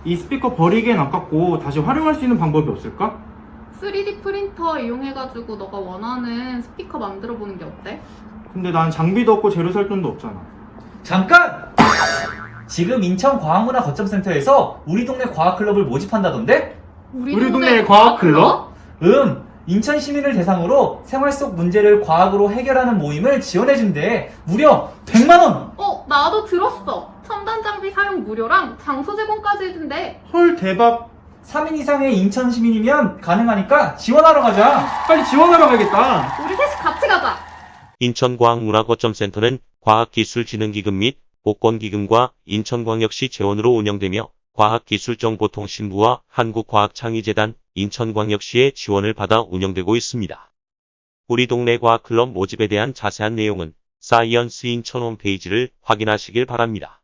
이 스피커 버리기엔 아깝고 다시 활용할 수 있는 방법이 없을까? 3D 프린터 이용해가지고 너가 원하는 스피커 만들어보는 게 어때? 근데 난 장비도 없고 재료 살 돈도 없잖아. 잠깐! 지금 인천과학문화거점센터에서 우리 동네 과학클럽을 모집한다던데? 우리 동네 과학클럽? 인천 시민을 대상으로 생활 속 문제를 과학으로 해결하는 모임을 지원해준대. 무려 100만원! 나도 들었어. 첨단 장비 사용 무료랑 장소 제공까지 해준대. 헐, 대박. 3인 이상의 인천 시민이면 가능하니까 지원하러 가자. 빨리 지원하러 가야겠다. 우리 셋이 같이 가자. 인천과학문화거점센터는 과학기술진흥기금 및 복권기금과 인천광역시 재원으로 운영되며 과학기술정보통신부와 한국과학창의재단, 인천광역시의 지원을 받아 운영되고 있습니다. 우리 동네 과학클럽 모집에 대한 자세한 내용은 사이언스 인천 홈페이지를 확인하시길 바랍니다.